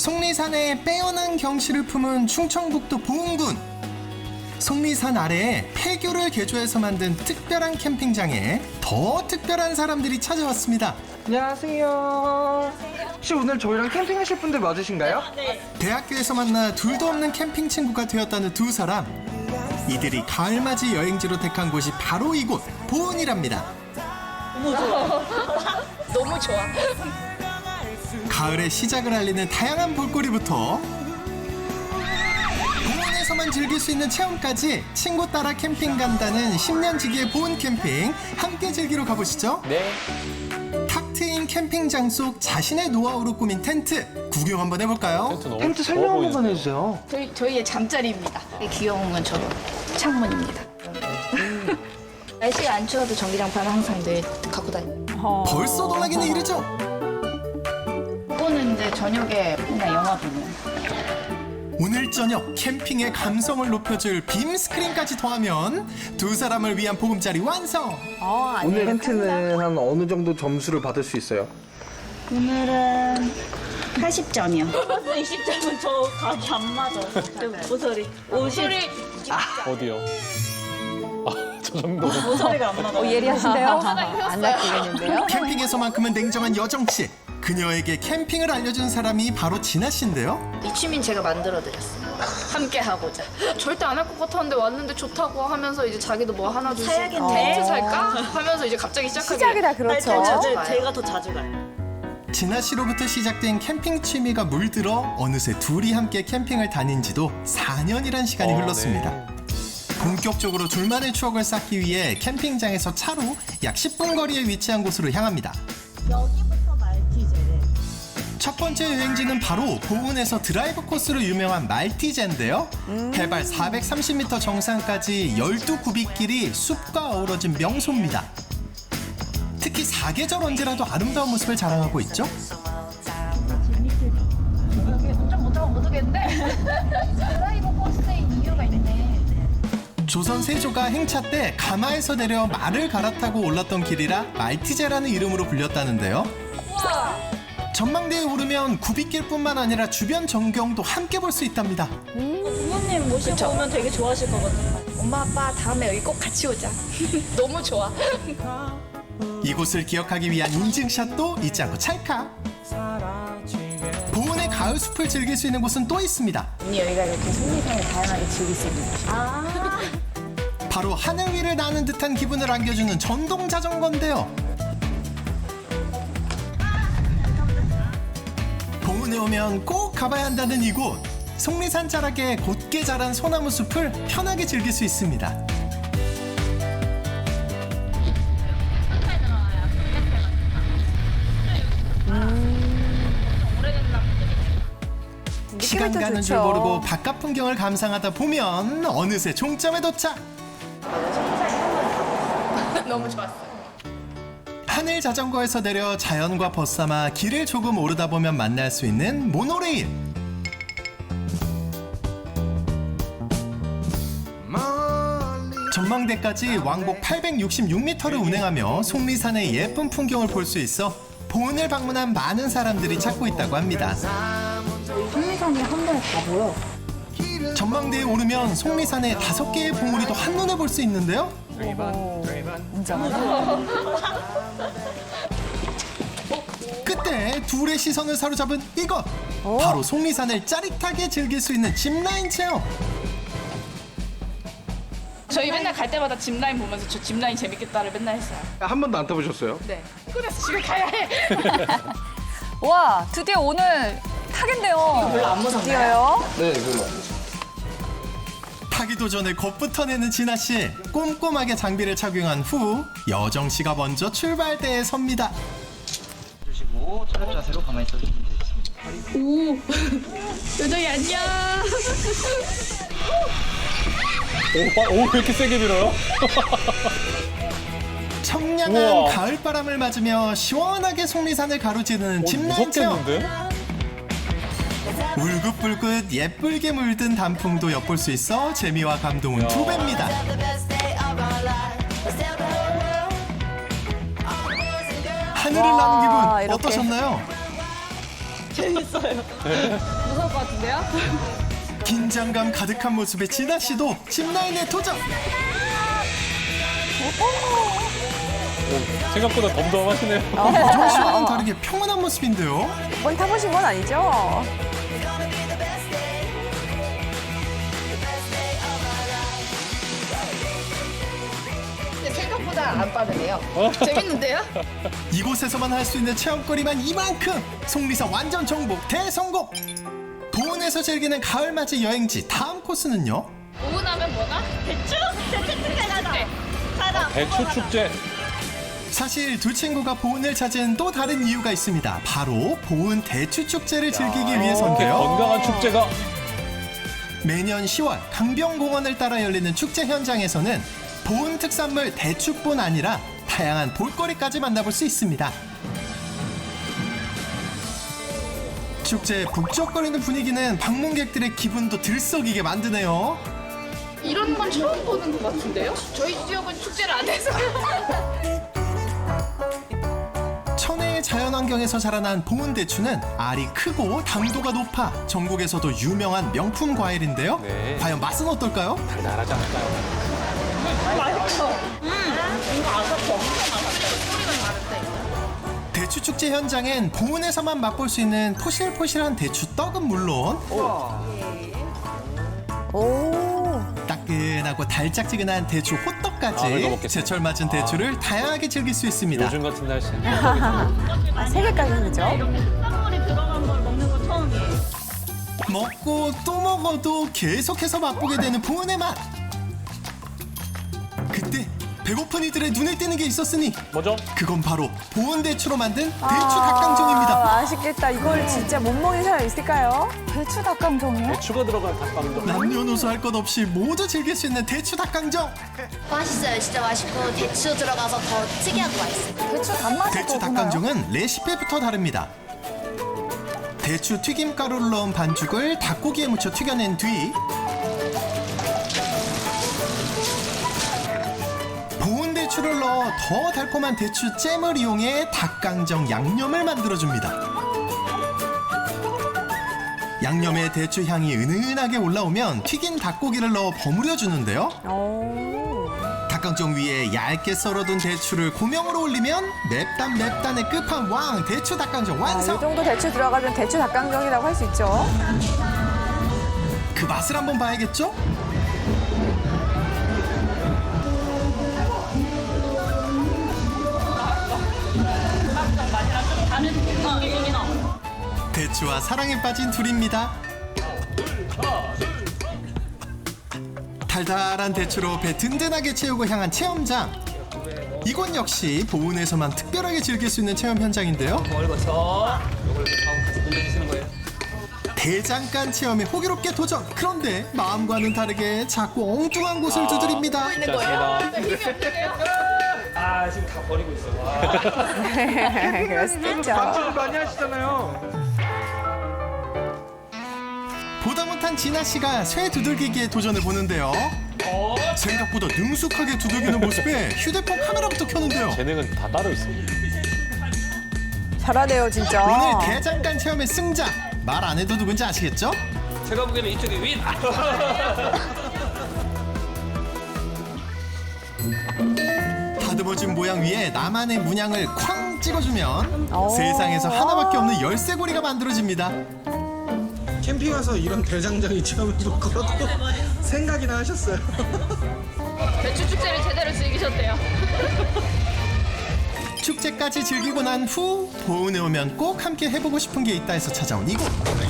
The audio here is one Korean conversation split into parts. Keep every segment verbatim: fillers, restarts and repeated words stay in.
속리산의 빼어난 경치를 품은 충청북도 보은군. 속리산 아래에 폐교를 개조해서 만든 특별한 캠핑장에 더 특별한 사람들이 찾아왔습니다. 안녕하세요. 혹시 오늘 저희랑 캠핑하실 분들 맞으신가요? 네. 대학교에서 만나 둘도 없는 캠핑 친구가 되었다는 두 사람. 이들이 가을맞이 여행지로 택한 곳이 바로 이곳 보은이랍니다. 너무 좋아. 너무 좋아. 가을의 시작을 알리는 다양한 볼거리부터 보은에서만 즐길 수 있는 체험까지 친구 따라 캠핑 간다는 십 년 지기의 보은 캠핑 함께 즐기러 가보시죠. 네. 탁 트인 캠핑장 속 자신의 노하우로 꾸민 텐트 구경 한번 해볼까요? 텐트 너무 텐트 좋아 설명 한 보이는데. 번만 해주세요. 저희, 저희의 잠자리입니다. 귀여운 건 저 창문입니다. 날씨가 안 추워도 전기장판 항상 늘 갖고 다녀요. 벌써 놀라기는 이르죠? 보는데 저녁에 그냥 영화 보면. 오늘 저녁 캠핑의 감성을 높여줄 빔 스크린까지 더하면 두 사람을 위한 보금자리 완성! 오늘 텐트는 한 어느 정도 점수를 받을 수 있어요? 오늘은 팔십 점이요. 이십 점은 저 각이 안 맞아. 모서리. 오십. 어디요? 아, 저 정도. 모서리가 안 맞아. 예리하신데요? 안 낚이겠는데요? 캠핑에서만큼은 냉정한 여정씨. 그녀에게 캠핑을 알려준 사람이 바로 진아 씨인데요. 이 취미는 제가 만들어드렸어요. 함께 하고자. 절대 안 할 것 같았는데 왔는데 좋다고 하면서 이제 자기도 뭐 하나 둘 사야겠네. 텐트 살까 하면서 이제 갑자기 시작하게. 시작이 다 할 그렇죠. 때는 제가 더 자주 가요. 진아 씨로부터 시작된 캠핑 취미가 물들어 어느새 둘이 함께 캠핑을 다닌 지도 사 년이란 시간이 어, 흘렀습니다. 네. 본격적으로 둘만의 추억을 쌓기 위해 캠핑장에서 차로 약 십 분 거리에 위치한 곳으로 향합니다. 여기부터 말티제래. 첫 번째 여행지는 바로 보은에서 드라이브 코스로 유명한 말티제인데요. 해발 사백삼십 미터 정상까지 열두 굽이길이 숲과 어우러진 명소입니다. 특히 사계절 언제라도 아름다운 모습을 자랑하고 있죠. 운전 못하면 못 오겠는데? 드라이버 코스인 이유가 있네. 조선 세조가 행차 때 가마에서 내려 말을 갈아타고 올랐던 길이라 말티제라는 이름으로 불렸다는데요. 전망대에 오르면 굽이길뿐만 아니라 주변 전경도 함께 볼 수 있답니다. 부모님 모시고 그쵸? 오면 되게 좋아하실 거거든요. 엄마 아빠 다음에 여기 꼭 같이 오자. 너무 좋아. 이곳을 기억하기 위한 인증샷도 잊지 않고 찰칵. 보은의 가을 숲을 즐길 수 있는 곳은 또 있습니다. 언니 여기가 이렇게 속리산을 다양하게 즐길 수 있는 곳이야. 바로 하늘 위를 나는 듯한 기분을 안겨주는 전동 자전거인데요. 보은에 오면 꼭 가봐야 한다는 이곳. 속리산 자락에 곧게 자란 소나무 숲을 편하게 즐길 수 있습니다. 시간 느낌이 또 가는 줄 좋죠. 모르고 바깥 풍경을 감상하다 보면 어느새 종점에 도착. 너무 좋았어. 하늘 자전거에서 내려 자연과 벗삼아 길을 조금 오르다 보면 만날 수 있는 모노레일. 전망대까지 왕복 팔백육십육 미터를 운행하며 속리산의 예쁜 풍경을 볼 수 있어 보은을 방문한 많은 사람들이 찾고 있다고 합니다. 속리산이 한 번에 다 보여. 전망대에 오르면 속리산의 다섯 개의 봉우리도 한눈에 볼 수 있는데요. 그때 둘의 시선을 사로잡은 이것! 바로 속리산을 짜릿하게 즐길 수 있는 짚라인 체험! 저희 맨날 갈 때마다 짚라인 보면서 저 짚라인 재밌겠다를 맨날 했어요. 한 번도 안 타보셨어요? 네. 피곤해서 집에 가야 해. 와, 드디어 오늘 타겠네요. 별로 안 무섭네요. 네, 그거. 타기도 전에 겁부터 내는 진아 씨. 꼼꼼하게 장비를 착용한 후 여정 씨가 먼저 출발대에 섭니다. 주시고 차렷 자세로 가만히 있어주시면 되겠습니다. 요정이 안녕. 오, 빠- 오, 왜 이렇게 세게 밀어요? 청량한 우와. 가을바람을 맞으며 시원하게 속리산을 가로지르는 오, 짚라인 체험. 무섭겠는데? 울긋불긋 예쁘게 물든 단풍도 엿볼 수 있어 재미와 감동은 두 배입니다. 하늘을 나는 기분 이렇게. 어떠셨나요? 재밌어요. 무서울 것 같은데요? 긴장감 가득한 모습의 진아 씨도 짚라인에 도전. 오, 생각보다 덤덤하시네요. 정 씨와는 다르게 평온한 모습인데요. 뭘 타보신 건 아니죠? 생각보다 안 빠르네요. 재밌는데요? 이곳에서만 할 수 있는 체험거리만 이만큼. 속리사 완전 정복 대성공. 보은에서 즐기는 가을맞이 여행지 다음 코스는요. 오은하면 뭐가? 대추? 대추 축제 가자. 가자. 대추 축제. 사실 두 친구가 보은을 찾은 또 다른 이유가 있습니다. 바로 보은 대추 축제를 즐기기 이렇게 위해서인데요. 건강한 축제가. 매년 시월 강변공원을 따라 열리는 축제 현장에서는 보은 특산물 대추뿐 아니라 다양한 볼거리까지 만나볼 수 있습니다. 축제의 북적거리는 분위기는 방문객들의 기분도 들썩이게 만드네요. 이런 건 처음 보는 것 같은데요? 저희 지역은 축제를 안 해서. 천혜의 자연환경에서 자라난 보은 대추는 알이 크고 당도가 높아 전국에서도 유명한 명품 과일인데요. 네. 과연 맛은 어떨까요? 달달하지 않을까요? 대추 축제 현장엔 보은에서만 맛볼 수 있는 포실포실한 대추 떡은 물론 따끈하고 달짝지근한 대추 아, 이거 호떡까지 먹겠습니다. 제철 맞은 대추를 다양하게 즐길 수 있습니다. 요즘 같은 날씨. 아, 세 개까지 그죠? 땀물이 들어간 걸 먹는 건 처음이에요. 먹고 또 먹어도 계속해서 맛보게 되는 보은의 맛. 그때 배고픈 이들의 눈에 띄는 게 있었으니 뭐죠? 그건 바로 보은 대추로 만든 대추 닭강정입니다. 아, 아쉽겠다. 이걸 진짜 못 먹는 사람 있을까요? 대추 닭강정이요? 대추가 들어간 닭강정. 남녀노소 할 것 없이 모두 즐길 수 있는 대추 닭강정. 맛있어요. 진짜 맛있고 대추 들어가서 더 특이하고 맛있어요. 대추 단맛이 대추 닭강정은 레시피부터 다릅니다. 대추 튀김 가루를 넣은 반죽을 닭고기에 묻혀 튀겨낸 뒤 보은 대추를 넣어 더 달콤한 대추 잼을 이용해 닭강정 양념을 만들어줍니다. 양념에 대추 향이 은은하게 올라오면 튀긴 닭고기를 넣어 버무려 주는데요. 닭강정 위에 얇게 썰어둔 대추를 고명으로 올리면 맵단 맵단의 끝판왕 대추 닭강정 이 완성. 정도 대추 들어가면 대추 닭강정이라고 할 수 있죠. 그 맛을 한번 봐야겠죠? 대추와 사랑에 빠진 둘입니다. 달달한 대추로 배 든든하게 채우고 향한 체험장. 이곳 역시 보은에서만 특별하게 즐길 수 있는 체험 현장인데요. 대장간 체험에 호기롭게 도전. 그런데 마음과는 다르게 자꾸 엉뚱한 곳을 두드립니다. 아 지금 다 버리고 있어. 와. 그럴 수도 있죠. 방송 많이 하시잖아요. 보다 못한 진아 씨가 쇠 두들기기에 도전을 보는데요. 생각보다 능숙하게 두들기는 모습에 휴대폰 카메라부터 켜는데요. 재능은 다 따로 있습니다. 잘하네요, 진짜. 오늘 대장간 체험의 승자. 말 안 해도 누군지 아시겠죠? 제가 보기에는 이쪽이 윈. 다듬어진 모양 위에 나만의 문양을 쾅 찍어주면 오. 세상에서 하나밖에 없는 열쇠고리가 만들어집니다. 캠핑 와서 이런 대장장이 체험해볼 거라고 생각이나 하셨어요. 대추 축제를 제대로 즐기셨대요. 축제까지 즐기고 난 후 보은에 오면 꼭 함께 해보고 싶은 게 있다 해서 찾아온 이곳.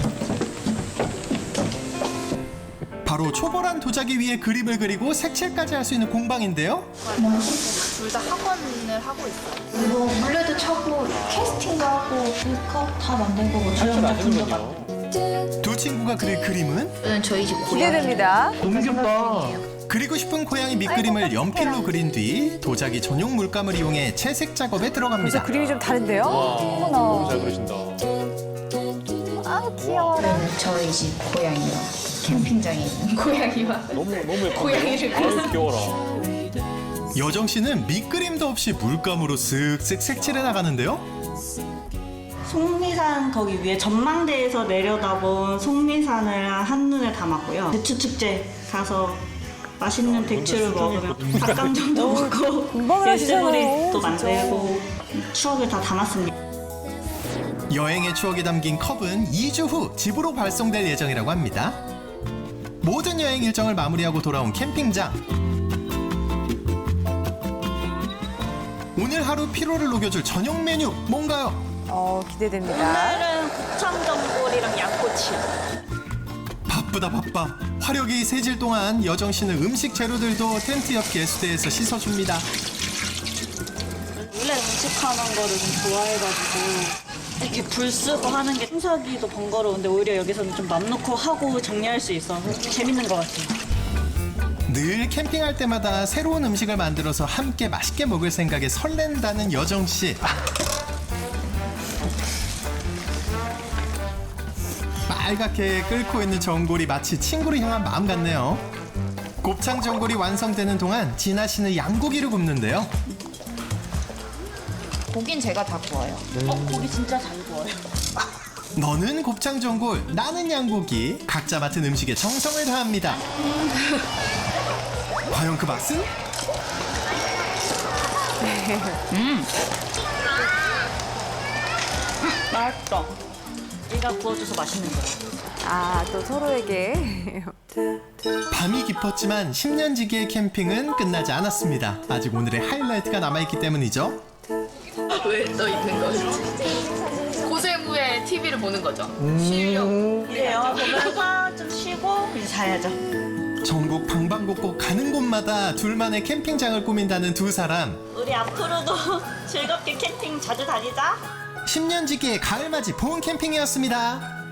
바로 초벌한 도자기 위에 그림을 그리고 색칠까지 할 수 있는 공방인데요. 둘 다 학원을 하고 있어요. 이거 물레도 차고 캐스팅도 하고 물컵 다 만든 거고 할줄 아시는군요. 두 친구가 그릴 그림은 저희 집 기대됩니다. 너무 귀엽다. 그리고 싶은 고양이 밑그림을 연필로 그린 뒤 도자기 전용 물감을 이용해 채색 작업에 들어갑니다. 그림이 좀 다른데요? 너무 잘 그리신다. 아, 귀여워라. 저희 집 고양이요. 캠핑장에 있는 고양이와 너무 너무 예쁜데. 고양이를 아유 귀여워라. 여정 씨는 밑그림도 없이 물감으로 쓱쓱 색칠해 나가는데요. 속리사 속리산 거기 위에 전망대에서 내려다본 속리산을 한눈에 담았고요. 대추축제 가서 맛있는 대추를 먹으며 닭강정도 먹고 공방을 하시잖아요, 또 진짜. 만들고 추억을 다 담았습니다. 여행의 추억이 담긴 컵은 이 주 후 집으로 발송될 예정이라고 합니다. 모든 여행 일정을 마무리하고 돌아온 캠핑장. 오늘 하루 피로를 녹여줄 저녁 메뉴 뭔가요? 어, 기대됩니다. 오늘은 곱창전골이랑 양꼬치. 바쁘다 바빠. 화력이 세질 동안 여정 씨는 음식 재료들도 텐트 옆 개수대에서 씻어줍니다. 원래 음식하는 거를 좀 좋아해가지고 이렇게 불 쓰고 하는 게 청소하기도 번거로운데 오히려 여기서는 좀 맘 놓고 하고 정리할 수 있어서 재밌는 것 같아요. 늘 캠핑할 때마다 새로운 음식을 만들어서 함께 맛있게 먹을 생각에 설렌다는 여정 씨. 빨갛게 끓고 있는 전골이 마치 친구를 향한 마음 같네요. 곱창 전골이 완성되는 동안 진아 씨는 양고기를 굽는데요. 고긴 제가 다 구워요. 어, 고기 진짜 잘 구워요. 너는 곱창 전골, 나는 양고기. 각자 맡은 음식에 정성을 다합니다. 과연 그 맛은? 맛있어. 네가 구워줘서 맛있는 거야. 아, 또 서로에게. 밤이 깊었지만 십 년 지기의 캠핑은 끝나지 않았습니다. 아직 오늘의 하이라이트가 남아있기 때문이죠. 왜 떠 있는 거지? 고생 후에 티비를 보는 거죠. 쉬려고. 우리 영화 보면서 좀 쉬고 이제 자야죠. 전국 방방곡곡 가는 곳마다 둘만의 캠핑장을 꾸민다는 두 사람. 우리 앞으로도 즐겁게 캠핑 자주 다니자. 십 년 지기의 가을맞이 봄 캠핑이었습니다.